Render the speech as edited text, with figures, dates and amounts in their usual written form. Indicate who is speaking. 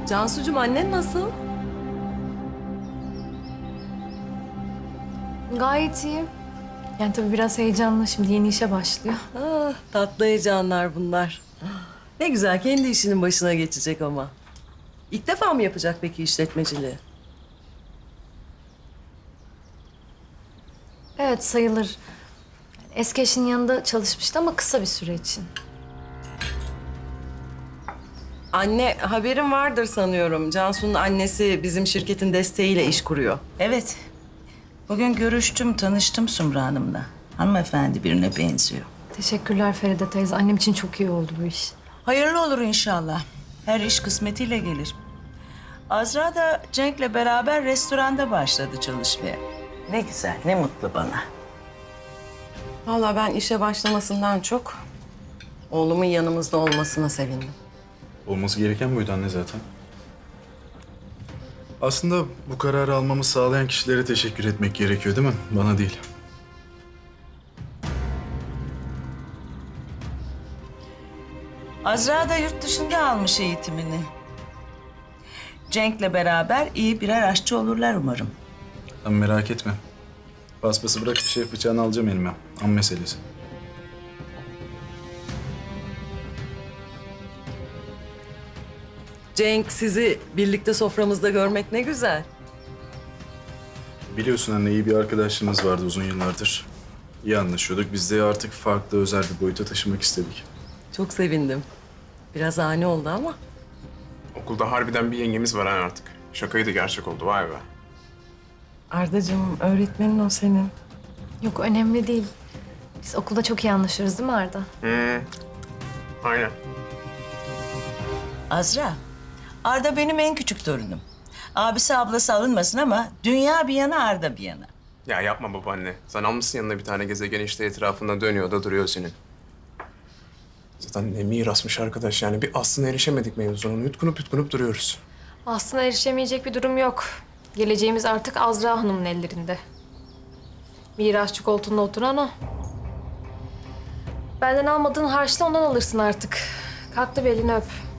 Speaker 1: Cansucuğum, annen nasıl?
Speaker 2: Gayet iyi. Yani tabii biraz heyecanlı. Şimdi yeni işe başlıyor.
Speaker 1: Ah, tatlı heyecanlar bunlar. Ne güzel, kendi işinin başına geçecek ama. İlk defa mı yapacak peki işletmeciliği?
Speaker 2: Evet sayılır. Eski eşinin yanında çalışmıştı ama kısa bir süre için.
Speaker 1: Anne, haberin vardır sanıyorum. Cansu'nun annesi bizim şirketin desteğiyle iş kuruyor.
Speaker 3: Evet. Bugün görüştüm, tanıştım Sumru Hanım'la. Hanımefendi birine benziyor.
Speaker 2: Teşekkürler Feride teyze. Annem için çok iyi oldu bu iş.
Speaker 3: Hayırlı olur inşallah. Her iş kısmetiyle gelir. Azra da Cenk'le beraber restoranda başladı çalışmaya. Ne güzel, ne mutlu bana.
Speaker 1: Vallahi ben işe başlamasından çok oğlumun yanımızda olmasına sevindim.
Speaker 4: Olması gereken buydu anne zaten. Aslında bu kararı almamı sağlayan kişilere teşekkür etmek gerekiyor değil mi? Bana değil.
Speaker 3: Azra da yurt dışında almış eğitimini. Cenk'le beraber iyi birer aşçı olurlar umarım.
Speaker 4: Sen merak etme. Paspası bırak bir şey bıçağını alacağım elime. An meselesi.
Speaker 1: Cenk, sizi birlikte soframızda görmek ne güzel.
Speaker 4: Biliyorsun anne iyi bir arkadaşlığımız vardı uzun yıllardır. İyi anlaşıyorduk. Biz de artık farklı özel bir boyuta taşımak istedik.
Speaker 1: Çok sevindim. Biraz ani oldu ama.
Speaker 5: Okulda harbiden bir yengemiz var ha artık. Şakaydı gerçek oldu vay be.
Speaker 1: Ardacığım, öğretmenin o senin.
Speaker 2: Yok önemli değil. Biz okulda çok iyi anlaşırız değil mi Arda?
Speaker 5: Aynen.
Speaker 3: Azra, Arda benim en küçük torunum. Abisi ablası alınmasın ama dünya bir yana Arda bir yana.
Speaker 5: Ya yapma babaanne. Sen almışsın yanına bir tane gezegen işte etrafında dönüyor da duruyor senin. Zaten ne mirasmış arkadaş yani. Bir aslına erişemedik mevzunun. Yutkunup duruyoruz.
Speaker 2: Aslında erişemeyecek bir durum yok. Geleceğimiz artık Azra Hanım'ın ellerinde. Mirasçı koltuğunda oturan o. Benden almadığın harçla ondan alırsın artık. Kalk da bir elini öp.